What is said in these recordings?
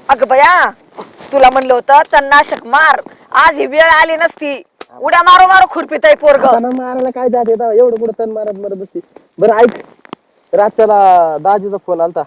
अगं बया, तुला म्हणलं होतं तणनाशक मार, आज ही वेळ आली नसती. उड्या मारो मारो खुरपीत आहे पोरग. मारायला काय जाते एवढं कुठं तण मारत मरत बसती. बरं ऐक, रातच्याला दाजीचा फोन आलता.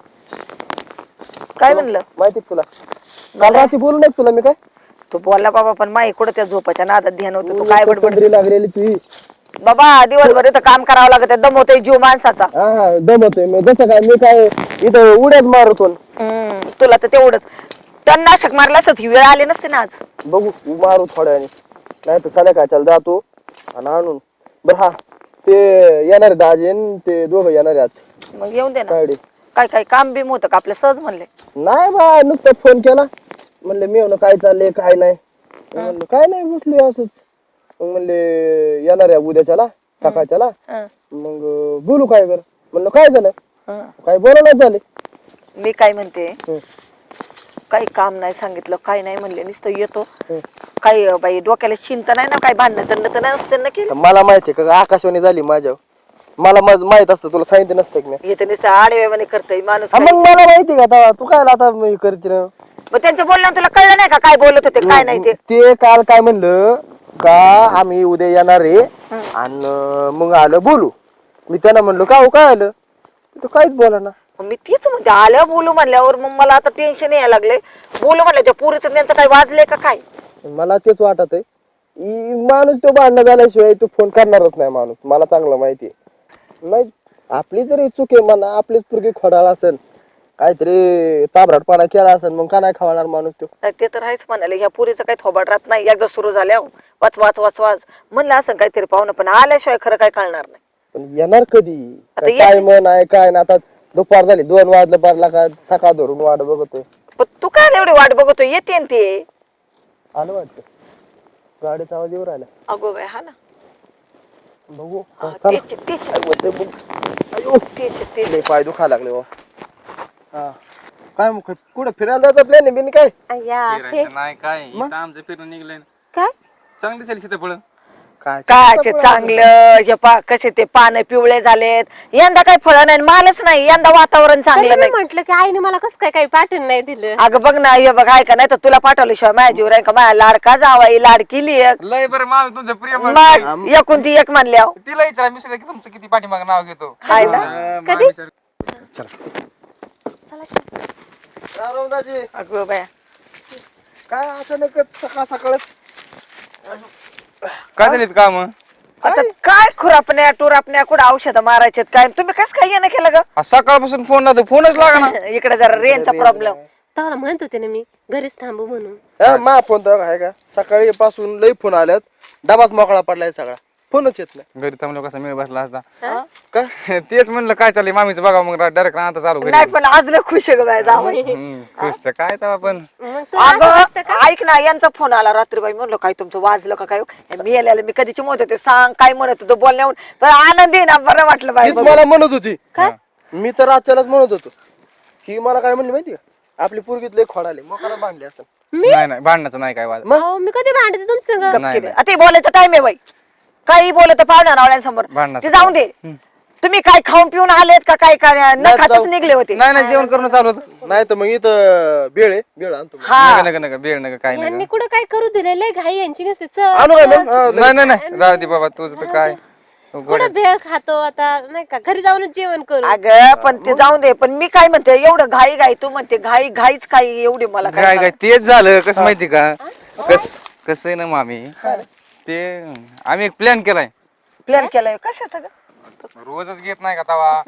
काय म्हणलं? माहिती तुला? काल रात्री बोलू नाही तुला मी काय? तू बोलला बाबा, पण माई कुठं त्या झोपाच्या नादात ध्यान होतं. तू काय बडबड लागलेली ती. बाबा, दिवसभर इथं काम करावं लागत, दमवतोय जीव माणसाचा. हा दमतोय मी. जसं काय मी काय इथं उड्यात मारतो. तुला तर तेवढंच. तणनाशक मारलं असत ही वेळ आली नसते ना आज. बघू मारू थोड्याने, नाही तर संध्याकाळच्याला जातो आणि आणून. बरं हा, ते येणार दाजी ते दोघं येणार आज. मग येऊन दे ना. काय काय काम बिम होतं का आपलं? सहज म्हणले. नाही बा, नुसतं फोन केला. म्हणले मी म्हणलं काय चाललंय काय नाही. म्हणलं काय नाही, बसलोय असंच. मग म्हणले येणार आहे उद्याच्याला सकाळच्याला. मग बोलू काय कर. म्हणलं काय झालं? काय बोलायला झाले. मी काय म्हणते, काही काम नाही सांगितलं, काही नाही म्हणले, नुसतं येतो. काही बाई डोक्याला चिंता नाही ना, काही भांडणं तर नाही नसते ना केलं. मला माहितीये का आकाशवाणी झाली माझ्या. मला माहित असतं, तुला सांगितलं नसतं की मी. येते नुसतं आडवेवाने करतय माणूस. मग मला माहिती का आता तू काय आता करते ना. मग त्यांच्या बोलण्यावर तुला कळलं नाही का काय बोलत होते काय नाही ते? ते काल काय म्हणलं का आम्ही उद्या येणार आहे आणि मग आलं बोलू. मी त्यांना म्हणलो का हो काय आलं, तू काहीच बोला ना. मी तीच म्हणते, आलं बोलू म्हणल्यावर मग मला आता टेन्शन यायला लागले. बोलू म्हणलं त्या पुरीचं त्यांचं काही वाजले का काय? मला तेच वाटत आहे. माणूस तो भांडण झाल्याशिवाय तो फोन करणारच नाही माणूस, मला चांगलं माहिती आहे. नाही आपली जरी चूक आहे म्हणा, आपलीच पुरगी खोडाळ असेल, काहीतरी ताबराटपणा केला असेल, मग का नाही खावणार माणूस तो. ते तर आहेच म्हणाले. ह्या पुरीचं काही थोबाड राहत नाही. एकदा सुरू झाल्या वाच वाच वाच वाच म्हणलं असं काहीतरी पाहुणं, पण आल्याशिवाय खरं काय कळणार नाही. पण येणार कधी आता काय मन आहे काय ना. आता दुपार झाली 2 वाजलं, बारला का सकाळ धरून वाट बघतोय. पण तू काय एवढी वाट बघतोय? येते ना ते. आलं वाटतं गाडीचा आवाज येऊ राहिला. अगो बाय, हा ना. बघू पाय दुखा लागले. काय मग कुठं फिरायला जायचं प्लॅन आहे बिन काय? नाही काय इथं आमचं फिरून निघलंय. काय चांगली झाली सीताफळ. काय काय चांगलं हे पा कसे ते पानं पिवळे झालेत. यंदा काही फळ नाही, मालच नाही यंदा. वातावरण चांगलं नाही. म्हटलं की आईने मला कसं काय काही पाठवून नाही दिलं. अगं बघ ना, हे बघ ऐका, नाही तर तुला पाठवल्याशिवाय माझ्या जीव राहील का? माझ्या लाडका जावाई लाडकी लेक. लय बरं मामी तुमचं प्रिय मग एकूण ती एक म्हणल्या. तिला विचारा मी की तुमचं किती पाठीमाग नाव घेतो. हाय ना. कधी? अगं बाया, काय अचानकच सकाळ सकाळच काय झालीत काम? आता काय खुरापण्या टुरापण्या कुठं औषध मारायचे काय? तुम्ही कस काय येणं केलं ग? सकाळपासून फोन लावतो, फोनच लागा ना. इकडे जरा रेंजचा प्रॉब्लेम. तेव्हा म्हणत होते ना मी घरीच थांबू म्हणून. मा फोन तर आहे का? सकाळी पासून लई फोन आल्यात, डबाच मोकळा पडलाय सगळा, फोनच येत नाही. घरी थांबलो कसा मेळ बसला असता. काय तेच म्हणलं काय चाललंय मामीचं बघा, मग डायरेक्ट आता चालू घरी. नाही पण आज लय खुश आहे ग बाया जावई. खुश काय तेव्हा पण. अगं ऐक ना, यांचा फोन आला रात्रीबाई. म्हणलं काय तुमचं वाजलं का काय? मी आल्याला मी कधीची म्हणत होते, सांग काय म्हणत होतो बोलण्याहून. पण आनंदी ना, बरं वाटलं बाई. तीच मला म्हणत होती. काय? मी तर आजच्यालाच म्हणत होतो की मला काय म्हणली माहिती का, आपली पोरगीत लय खोडाले मोकाला बांधले असं. नाही नाही भांडणाचं नाही काय वाद. मी कधी भांडते तुमचं? नाही आता बोलायचं टाइम आहे बाई. काही बोलत पाहुण्या नावळ्यांसमोर भांडणाचं ते जाऊन दे. तुम्ही काय खाऊन पिऊन आलेत का काय? काय न खातच निघले होते? नाही नाही जेवण करून चालू होतं. नाही तर मग इथं बेळ आहे, बेळ आणतो मी. हा नका नका बेळ नका काय यांनी नाही. कुठं काय करू दिलेलं घाई यांची नसते. आणू काय मग? नाही नाही नाही राहू दे बाबा, तुझं तर काय कुठं भेळ खातो आता नाही का, घरी जाऊनच जेवण करू. अगं पण ते जाऊन दे. पण मी काय म्हणते, एवढं घाई घाई तू म्हणते घाई घाईच काय एवढी मला काय काय तेच झालं. कसं माहिती का, कसं आहे ना मामी, ते आम्ही एक प्लॅन केलाय. प्लॅन केलाय कशाचा ग? रोजच घेत नाही का तवा.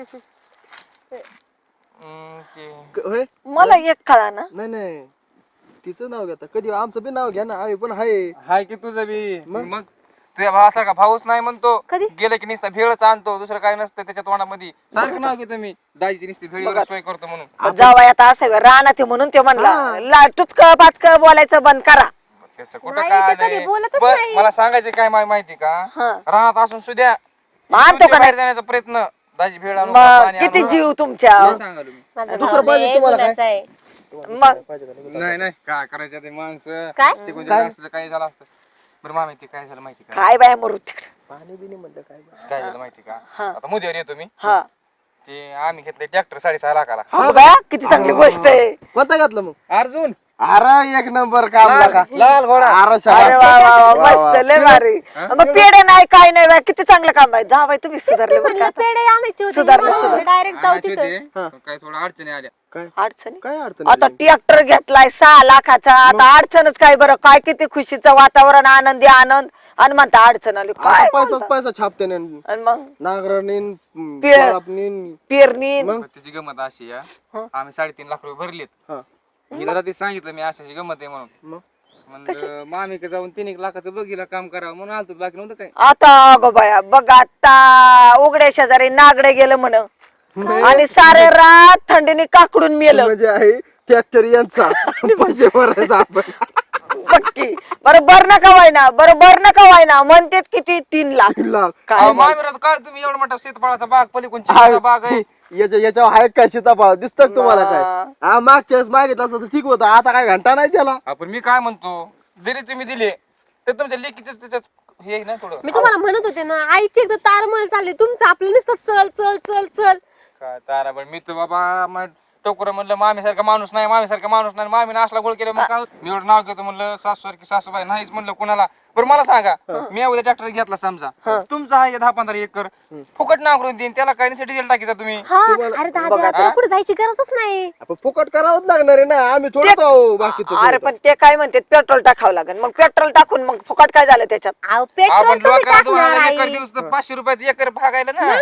होय? मला एक कळा ना. नाही नाही तिचं नाव घेता कधी, आमचं बी नाव घ्या ना, आम्ही पण हाय. हाय की तुझं बी. मग तुझ्या भाव असला का भाऊच नाही म्हणतो. कधी? गेलं की नुसतं भेळच आणतो, दुसरं काय नसतं त्याच्या तोंडामध्ये. सारखं नाव घेतो मी दाजीची नुसती भेळीवर सोय करतो म्हणून. जावाय आता असं राहणार ते म्हणून ते म्हणला तुचक पाचक बोलायचं बंद करा. त्याचं कुठं नाही, काय ते कधी आलंय? बोलतच बरं, नाही. मला सांगायचं काय माहिती का, राहत असून सुद्धा आणतो का बाहेर जाण्याचा प्रयत्न दाजी भेळ आणून मग पाणी किती आणून. जीव तुमच्या. काय सांगालो मी. माझा दुसरं भाऊ पाहिजे लय तुम्हाला काय? गुणाचा आहे. मग नाही नाही काय करायचं ते माणसं काय? ते कोणते असतं काय झालं असतं. बरं मामी ते काय झालं माहिती का, काय बाय मरू तिकडे. पाणी बिनी म्हणलं काय काय झालं माहिती का, हा. आता मुद्द्यावर येतो मी. हा ते आम्ही घेतले ट्रॅक्टर 6.5 लाखाला. अगं बाया, किती चांगली गोष्ट आहे. कोणता घातलं मग? अर्जुन अरे एक नंबर काम लागा. लाल घोडा. अरे अरे वा वा वा, मस्त लय भारी. हा? मग पेढे नाही काय नाही बाई, किती चांगलं काम आहे. जा बाई तुम्ही सुधारले बरं का म्हणलं आता. पेढे आणायचे सुधारलं, सुधारलं. होते डायरेक्ट जाऊ आणायची तिथं होती, हा. पण काही थोडं अडचणी आल्या. अडचणी काय अडचण आता नाही. ट्रॅक्टर घेतलाय 6 लाखाचा. आता अडचणच काय बरं, काय किती खुशीचं वातावरण, आनंदी आनंद, आणि म्हणता अडचण आली आता काय पैसाच म्हणता? पैसा छापते ना. आणि मग नांगरणीन पेर- पेरणी पण त्याची गमत अशी आहे, हा. आम्ही 3.5 लाख रुपये भरलेत. हा. हिला रात्री सांगितलं मी अशाची गमत आहे म्हणून. मग म्हणलं मामीकडे जाऊन 3 लाखाचं बघितलं काम करावं म्हणून आलतो, बाकी नव्हतं काय. आता गो बाया बघ, आता उघड्या शेजारी नागडे गेलं म्हण, आणि सारे रात थंडीने काकडून मेलं. म्हणजे आहे ट्रॅक्टर यांचा पैसे भरायचा आपण. पक्की बरोबर नका वायना, बरोबर नका वायना, म्हणतेत किती 3 लाख. 3 लाख. काय अहो, बोलता? मामी राव, काय तुम्ही एवढा मोठा सीताफळाचा बाग पलीकडून हा. चिंचेचा बाग आहे. याच्यावर आहे काय सीताफळ दिसत तुम्हाला काय? ना. हा मागच्या वेळेस मागितलं असतं तर ठीक होतं, आता काय घंटा नाही त्याला. आपण मी काय म्हणतो, जरी तुम्ही दिले तर तुमच्या लेकीच त्याच्यात हे आहे ना थोडं. मी तुम्हाला म्हणत होते ना, आईची एकदा तारमळ चालली, तुमचं आपलं नुसतं चल चल चल चल. काय तारा पण मी तर बाबा टोकर म्हणलं मामी सारखा माणूस नाही, मामी सारखा माणूस नाही, मामीने असला गोळ केला. मग काय मी एवढं नाव घेतो म्हणलं सासू सारखी सासूबाई नाहीच म्हणलं कुणाला. बरं मला सांगा, मी उद्या ट्रॅक्टर घेतला समजा, तुमचा आहे 10-15 एकर, फुकट नांगरून देईन, त्याला काही नाही डिझेल टाकीचा तुम्ही. हा तुम्हाला- अरे बघा दादा आता. तुला कुठे जायची गरजच नाही. आपण फुकट करावंच लागणार आहे ना, आम्ही थोडंच आहो बाकीचं अरे करू. पण ते काय म्हणते, पेट्रोल टाकावं लागेल. मग पेट्रोल टाकून मग फुकट काय झालं त्याच्यात? अहो, पेट्रोल आपण तुम्ही लोकांना टाकणार 2000 एकर आई. दिवस तर 500 रुपयात एकर भागायला ना.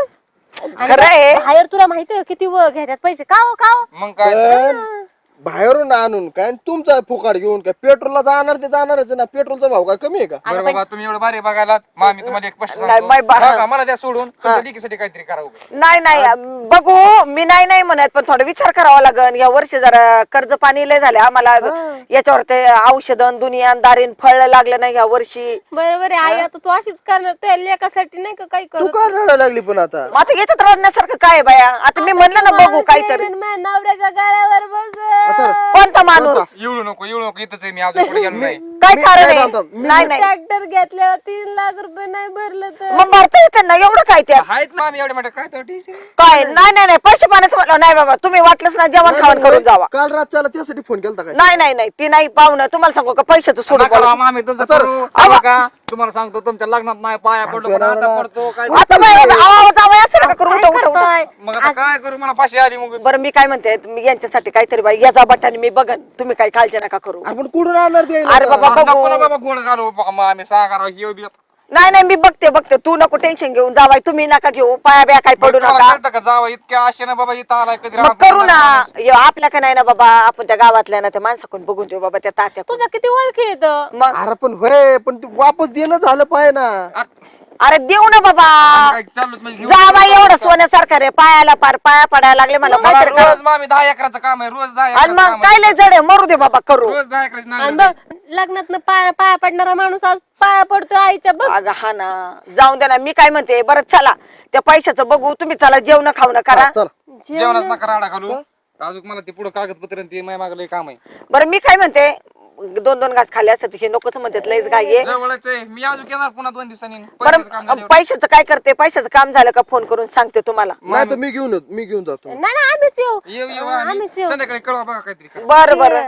खरं आहे. बाहेर तुला माहितीये किती घेतात पैसे का हो, का हो? मग काय पण बाहेरून आणून काय आणि तुमचा फुकट घेऊन काय पेट्रोलला जाणार ते जाणारच आहे ना. पेट्रोलचा भाव काय कमी आहे का? बरं बाबा, तुम्ही एवढं भारी बघायला मामी तुम्हाला एक स्पष्ट नाही, बाई, बा- सांगतो, मला द्या सोडून, तुमच्या लेकीसाठी काहीतरी करावं. नाही नाही बघू, मी नाही नाही म्हणत, पण थोडा विचार करावा लागेल. या वर्षी जरा कर्ज पाणी लय झाले आम्हाला. याच्यावर ते औषधं दुनियादारीन फळ लागलं नाही या वर्षी. बरोबर आहे आई, आता तू अशीच करणार, तुझ्या लेकासाठी नाही का काही तू करत. का रडायला लागली पण आता? मग आता याच्यात रडण्यासारखं काय आहे बाया? आता मी म्हणलं ना बघू काहीतरी. नवऱ्याच्या गाड्यावर बस. कोणता माणूस? येऊ नको इथंच आहे मी, अजून पुढे गेलो नाही. काय मी कारण काय आहे? सांगतो, मी- नाही नाही ट्रॅक्टर घेतल्यावर 3 लाख रुपये नाही भरलं तर मग भरता येतं ना, एवढं काय त्यात? आहेत ना आम्ही एवढे मोठे काय तर ठीक आहे. काय नाही नाही नाही, पैसे पाण्याचं म्हटलं नाही बाबा, तुम्ही वाटलंच ना जेवण खावण करून जावा. काल रातच्याला त्यासाठी फोन केलता काय? नाही नाही नाही, ती नाही पाहुणं. तुम्हाला सांगू का, पैशाचं सोडून नका राव बोला. मामी, तसं तर- करू. अहो. बघा, तुम्हाला सांगतो तुमच्या लग्नात नाही पाया पडलो, पण आता पडतो काय. आता जावं असं नका करू. उठा उठा उठा. करतोय. मग आता काय करू, मला फाशी आली मग. बरं मी काय म्हणते, तुम्ही यांच्यासाठी काहीतरी बाई याचा बट्टाने मी बघन, तुम्ही काही काळजी नका करू. आपण कुठून आणणार ते? अरे बाबा नको ना बघू. बाबा गोड घालू मामी, सांगा राव ही बी. नाही नाही, मी बघते, तू नको टेन्शन घेऊन जावाय, तुम्ही नका घेऊ, पाया बिया काय पडू तुम्हाला नका. कळतं का जावं इतक्या आशे ना बाबा इथं आलाय कधी मग राहत करू ना. नाही माणूस. आपल्या का नाही ना बाबा, आपण त्या गावातल्या ना त्या माणसाकडून बघून देऊ बाबा, त्या तात्या तुझ्या किती ओळखी येत. मग अरे पण होय, पण ते वापस देणं झालं पाहिजे ना. अरे देऊ ना बाबा. काय चाललोच म्हणजे घेऊन जावा, जाऊ. एवढं सोन्यासारखं रे, पायाला पार पाया पडायला लागले मला मला काहीतरी करा. रोज मामी 10 एकराचं काम आहे, रोज 10 आणि एकराचं मग काम काय आहे. लय जड आहे, मरू दे बाबा करू. रोज 10 एकराची आणि नांगरणी. बघ लग्नात पाया पाया पडणारा माणूस आज पाया पडतो आईच्या बघ. अगं हा ना, जाऊन दे ना. मी काय म्हणते, बरं चला त्या पैशाचं बघू, तुम्ही चला जेवण खाऊ करा. चल जेवणाच नका राडा घालू. अजून मला ते पुढे कागदपत्र आणि ते माझ्या मागं लय काम आहे. बरं मी काय म्हणते, 2-2 घास खाल्ले असतात हे नकोच म्हणतात, लयच काय आहे. जवळच आहे, मी अजून येणार पुन्हा 2 दिवसांनी. पैशाचं काम बरं झाल्यावर. पैशाचं काय करते, पैशाचं काम झालं का फोन करून सांगते तुम्हाला. नाही तर मी घेऊन जातो. नाही ना आम्हीच येऊ. येऊ आम्हीच येऊ. संध्याकाळी कळवा बघा काहीतरी करा. बरं बरं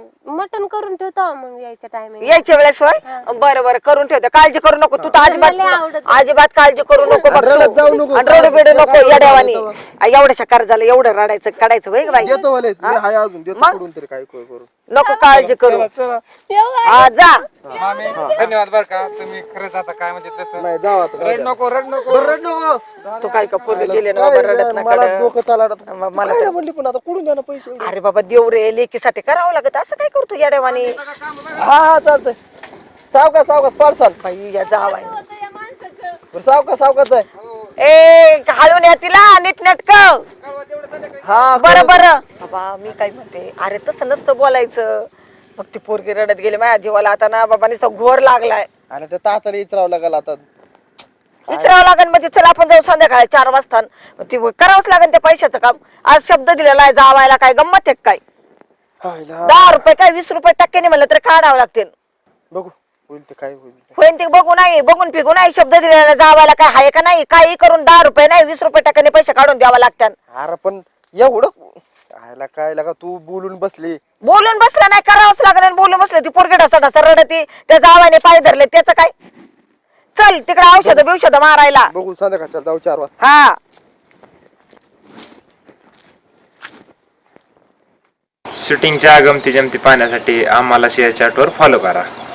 मटन करून ठेवतो मग यायच्या टायमिंग. यायच्या वेळेस होय. बरं बरं करून ठेवते, काळजी करू नको तू तर मला लय आवडत. अजिबात काळजी करू नको बघ रडत तू. जाऊ नको. आणि रडू बिडू नको येड्यावानी. एवढ्याशा कर्जाला एवढं रडायचं काढायचं होय ग बाई. देतो वाले मी हाय अजून देतो मग? कुठून तरी काय करू. नको काळजी करू. चला. येऊ आई. हा जा. मामी धन्यवाद बरं का, तुम्ही खरंच आता काय म्हणजे तसं नाही जाऊ आता रड नको रड नको. बरं, रड नको. तू काय का पूर्ण गेले ना बाबा, रडत काय मला नका. डोकं चालत. मला काय तर- म्हणली पण आता कुठून द्या ना पैसे एवढे? अरे बाबा देव रे, लेकीसाठी करावं लागत, असं काय करतो येड्यावानी. हा चालतंय. सावकाश पाडसाल. बाई या जावाय. या माणसाचं. बरं सावकाश आहे. ए घालून या तिला नीट नेटक. हा बरं बरं बाबा मी काय म्हणते, अरे तसं नसतं बोलायचं. मग ती पोरगी रडत गेली माझ्या जीवाला, आता ना बाबा नुसतं घोर लागलाय. आणि त्या ताताला विचारावं लागेल आता. विचारावं लागेल म्हणजे चला आपण जाऊ संध्याकाळी 4 वाजता. ती करावंच लागेल ते पैशाचं काम. आज शब्द दिलेला आहे जावायला, काय गंमत आहे काय? हायला. 10 रुपये काय 20 रुपये टक्क्याने म्हणलं तर काढावं लागतील. बघू होईल ते काय होईल. होईन ते बघू नाही, बघून फिगू नाही. शब्द दिलेला जावायला काय आहे का नाही, काही करून 10 रुपये नाही 20 रुपये टक्क्याने पैसे काढून द्यावा लागतात. अरे पण एवढं आयला काय लागा तू बोलून बसली. बोलून बसला नाही करावंच लागलं आणि बोलून बसलं ती पोरगी ढसा ढसा रडती त्या जावाने पाय धरले त्याचं काय. चल तिकडे औषध बिवषध मारायला. बघू संध्याकाळच्या जाऊ 4 वाजता. हा शूटिंगच्या गमती जमती पाहण्यासाठी आम्हाला शेअर चॅटवर फॉलो करा.